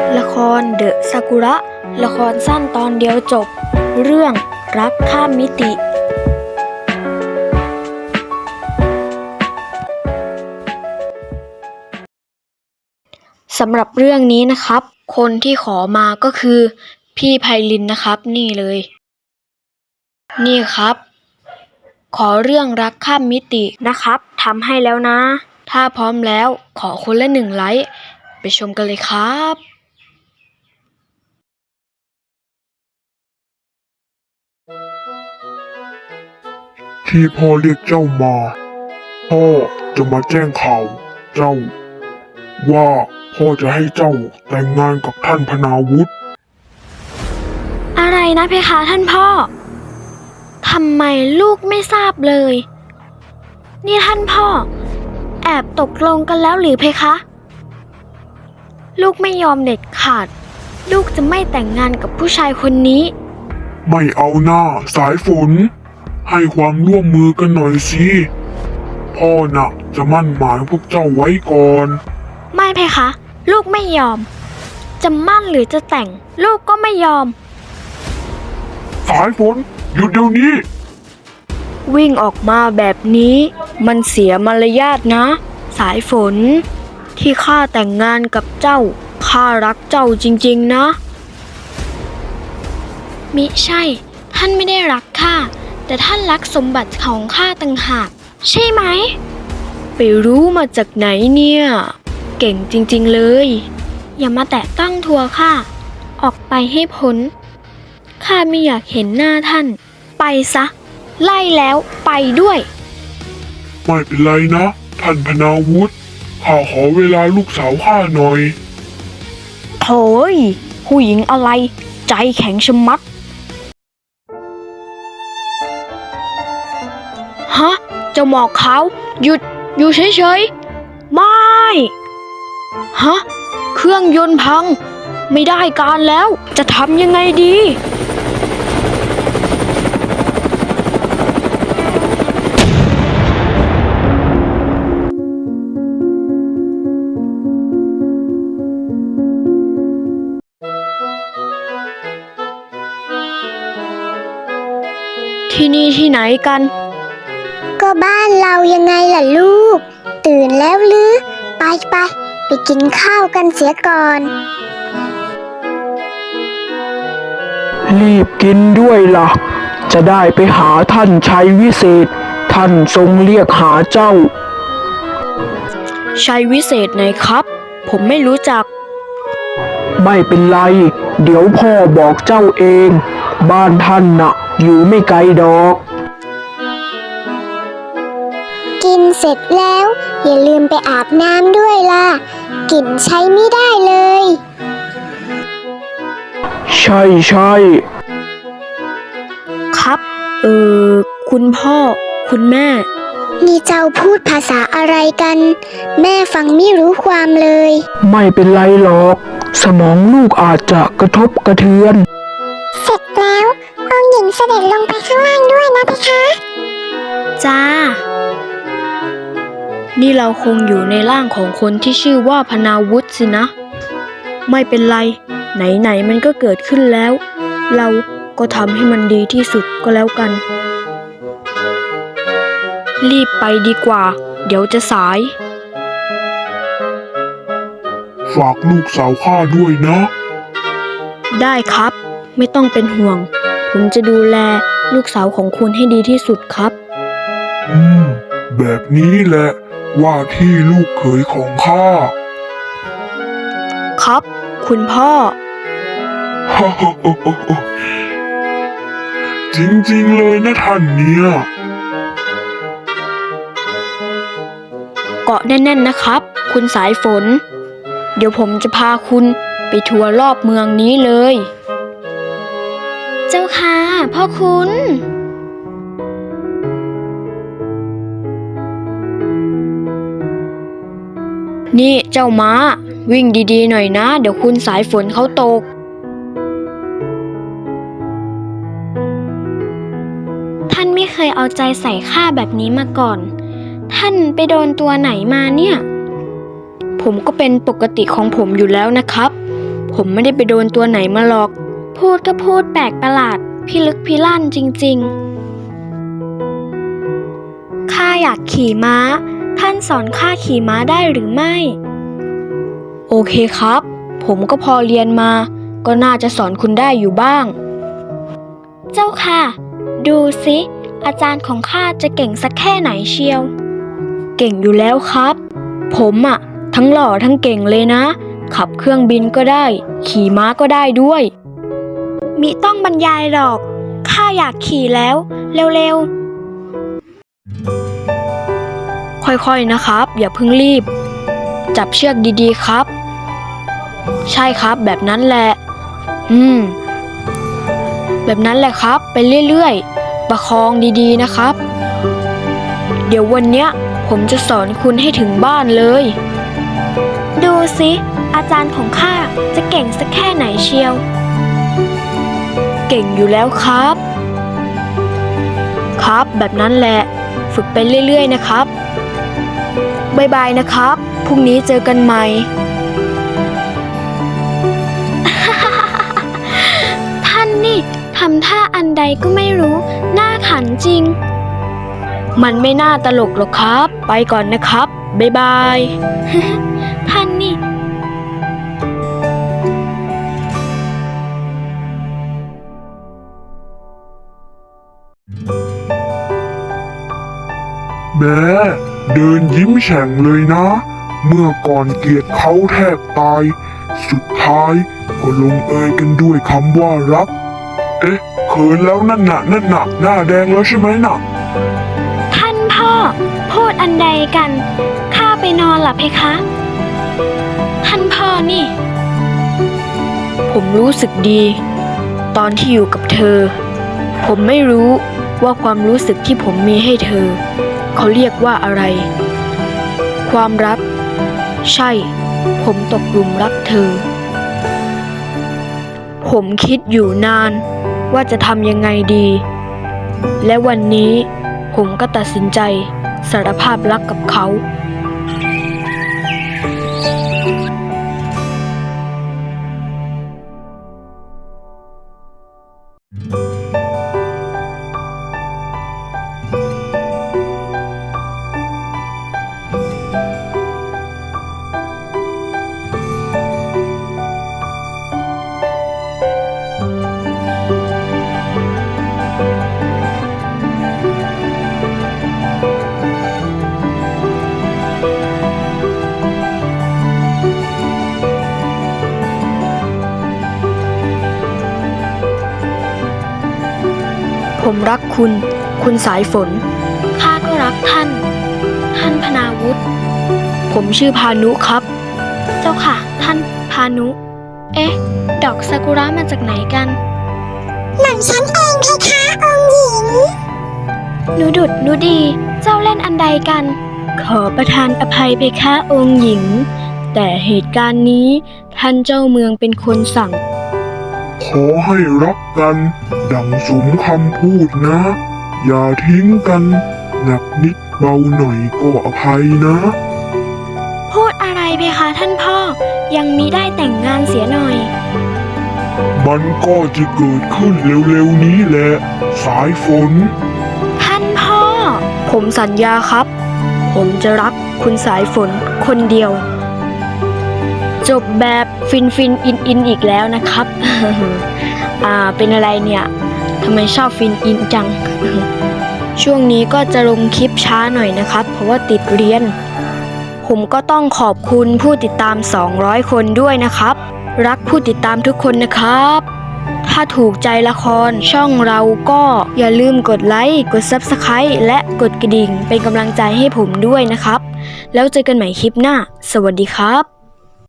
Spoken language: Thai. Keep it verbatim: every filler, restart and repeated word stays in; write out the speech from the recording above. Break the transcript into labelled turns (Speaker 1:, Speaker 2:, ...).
Speaker 1: ละครเดอะซากุระ ละครสั้นตอนเดียวจบ เรื่องรักข้ามมิติสำหรับเรื่องนี้นะครับ คนที่ขอมาก็คือพี่ไพลินนะครับนี่เลย นี่ครับ ขอเรื่องรักข้ามมิตินะครับทำให้แล้วนะ ถ้าพร้อมแล้วขอคนละหนึ่งไลค์ไปชมกันเลยครับ
Speaker 2: ที่พ่อเรียกเจ้ามาพ่อจะมาแจ้งข่าวเจ้าว่าพ่อจะให้เจ้าแต่งงานกับท่านพนาวุฒิ
Speaker 1: อะไรนะเพคะท่านพ่อทำไมลูกไม่ทราบเลยนี่ท่านพ่อแอบตกลงกันแล้วหรือเพคะลูกไม่ยอมเด็ดขาดลูกจะไม่แต่งงานกับผู้ชายคนนี้
Speaker 2: ไม่เอาหน้าสายฝนให้ความร่วมมือกันหน่อยสิพ่อน่ะจะมั่นหมายพวกเจ้าไว้ก่อน
Speaker 1: ไม่เพคะลูกไม่ยอมจะมั่นหรือจะแต่งลูกก็ไม่ยอม
Speaker 2: สายฝนหยุดเดี๋ยวนี้
Speaker 1: วิ่งออกมาแบบนี้มันเสียมารยาทนะสายฝนที่ข้าแต่งงานกับเจ้าข้ารักเจ้าจริงๆนะมิใช่ท่านไม่ได้รักข้าแต่ท่านรักสมบัติของข้าต่างหากใช่ไหมไปรู้มาจากไหนเนี่ยเก่งจริงๆเลยอย่ามาแตะต้องทัวข้าออกไปให้พ้นข้าไม่อยากเห็นหน้าท่านไปซะไล่แล้วไปด้วย
Speaker 2: ไม่เป็นไรนะท่านพนาวุฒิข้าขอเวลาลูกสาวข้าหน่อย
Speaker 1: โถ่ผู้หญิงอะไรใจแข็งชะมัดฮะเจ้าหมอกขาวหยุดอยู่เฉยๆไม่ฮะเครื่องยนต์พังไม่ได้การแล้วจะทำยังไงดีที่นี่ที่ไหนกัน
Speaker 3: ก็บ้านเรายังไงล่ะลูกตื่นแล้วหรือไปไปไปกินข้าวกันเสียก่อน
Speaker 4: รีบกินด้วยล่ะจะได้ไปหาท่านชัยวิเศษท่านทรงเรียกหาเจ้า
Speaker 1: ชัยวิเศษไหนครับผมไม่รู้จัก
Speaker 4: ไม่เป็นไรเดี๋ยวพ่อบอกเจ้าเองบ้านท่านน่ะอยู่ไม่ไกลดอก
Speaker 3: กินเสร็จแล้วอย่าลืมไปอาบน้ำด้วยล่ะกลิ่นใช้ไม่ได้เลย
Speaker 4: ใช่ใช่
Speaker 1: ครับเออคุณพ่อคุณแม่
Speaker 3: นี่เจ้าพูดภาษาอะไรกันแม่ฟังไม่รู้ความเลย
Speaker 4: ไม่เป็นไรหรอกสมองลูกอาจจะกระทบกระเทือน
Speaker 3: เสร็จแล้วองค์หญิงเสด็จลงไปข้างล่างด้วยนะเพคะ
Speaker 1: จ้านี่เราคงอยู่ในร่างของคนที่ชื่อว่าพนาวุฒิสินะไม่เป็นไรไหนๆมันก็เกิดขึ้นแล้วเราก็ทำให้มันดีที่สุดก็แล้วกันรีบไปดีกว่าเดี๋ยวจะสาย
Speaker 2: ฝากลูกสาวข้าด้วยนะ
Speaker 1: ได้ครับไม่ต้องเป็นห่วงผมจะดูแลลูกสาวของคุณให้ดีที่สุดครับ
Speaker 2: อืมแบบนี้แหละว่าที่ลูกเขยของข้า
Speaker 1: ครับคุณพ่อ
Speaker 2: จริงๆเลยนะท่านเนี่ย
Speaker 1: เกาะแน่นๆนะครับคุณสายฝนเดี๋ยวผมจะพาคุณไปทัวร์รอบเมืองนี้เลยเจ้าค่ะพ่อคุณนี่เจ้าม้าวิ่งดีๆหน่อยนะเดี๋ยวคุณสายฝนเขาตกท่านไม่เคยเอาใจใส่ข้าแบบนี้มาก่อนท่านไปโดนตัวไหนมาเนี่ยผมก็เป็นปกติของผมอยู่แล้วนะครับผมไม่ได้ไปโดนตัวไหนมาหรอก พูดก็พูดแปลกประหลาดพิลึกพิลั่นจริงๆข้าอยากขี่ม้าท่านสอนข้าขี่ม้าได้หรือไม่โอเคครับผมก็พอเรียนมาก็น่าจะสอนคุณได้อยู่บ้างเจ้าค่ะดูสิอาจารย์ของข้าจะเก่งสักแค่ไหนเชียวเก่งอยู่แล้วครับผมอะทั้งหล่อทั้งเก่งเลยนะขับเครื่องบินก็ได้ขี่ม้าก็ได้ด้วยมิต้องบรรยายหรอกข้าอยากขี่แล้วเร็วๆค่อยๆนะครับอย่าเพิ่งรีบจับเชือกดีๆครับใช่ครับแบบนั้นแหละอืมแบบนั้นแหละครับไปเรื่อยๆประคองดีๆนะครับเดี๋ยววันเนี้ยผมจะสอนคุณให้ถึงบ้านเลยดูสิอาจารย์ของข้าจะเก่งสักแค่ไหนเชียวเก่งอยู่แล้วครับครับแบบนั้นแหละฝึกไปเรื่อยๆนะครับบ๊ายบายนะครับพรุ่งนี้เจอกันใหม่ ท่านนี่ทำท่าอันใดก็ไม่รู้น่าขันจริงมันไม่น่าตลกหรอกครับไปก่อนนะครับบ๊ายบาย ท่านนี่
Speaker 2: แม่เดินยิ้มแฉ่งเลยนะ เมื่อก่อนเกลียดเขาแทบตาย สุดท้ายก็ลงเอยกันด้วยคำว่ารัก เอ๊ะเขินแล้วนั่นน่ะนั่นน่ะหน้าแดงแล้วใช่ไหมน่ะ
Speaker 1: ท่านพ่อพูดอันใดกันข้าไปนอนหลับเพคะ ท่านพ่อนี่ ผมรู้สึกดี ตอนที่อยู่กับเธอ ผมไม่รู้ว่าความรู้สึกที่ผมมีให้เธอเขาเรียกว่าอะไร ความรักใช่ผมตกหลุมรักเธอ ผมคิดอยู่นานว่าจะทำยังไงดี และวันนี้ผมก็ตัดสินใจสารภาพรักกับเขา ผมรักคุณ คุณสายฝน ข้าก็รักท่าน ท่านพนาวุฒิ ผมชื่อพานุครับ เจ้าค่ะ ท่านพานุ เอ๊ะ ดอกซากุระมาจากไหนกัน
Speaker 3: หม่อมฉันเองเพคะองค์หญิง
Speaker 1: หนูดุดหนูดี เจ้าเล่นอันใดกัน ขอประทานอภัยเพคะองค์หญิง แต่เหตุการณ์นี้ท่านเจ้าเมืองเป็นคนสั่ง
Speaker 2: ขอให้รักกันดังสมคำพูดนะ อย่าทิ้งกันหนักนิดเบาหน่อยก็อภัยนะ
Speaker 1: พูดอะไรเพคะท่านพ่อ ยังมิได้แต่งงานเสียหน่อย
Speaker 2: มันก็จะเกิดขึ้นเร็วๆนี้แหละ สายฝน
Speaker 1: ท่านพ่อ ผมสัญญาครับ ผมจะรักคุณสายฝนคนเดียว จบแบบฟินฟินอินอินอีกแล้วนะครับ อ่าเป็นอะไรเนี่ยทำไมชอบฟินอินจัง ช่วงนี้ก็จะลงคลิปช้าหน่อยนะครับ เพราะว่าติดเรียน ผมก็ต้องขอบคุณผู้ติดตามสองร้อยคนด้วยนะครับ รักผู้ติดตามทุกคนนะครับ ถ้าถูกใจละครช่องเราก็อย่าลืมกดไลค์กด ซับสไครบ์ และกดกระดิ่งเป็นกำลังใจให้ผมด้วยนะครับ แล้วเจอกันใหม่คลิปหน้า สวัสดีครับ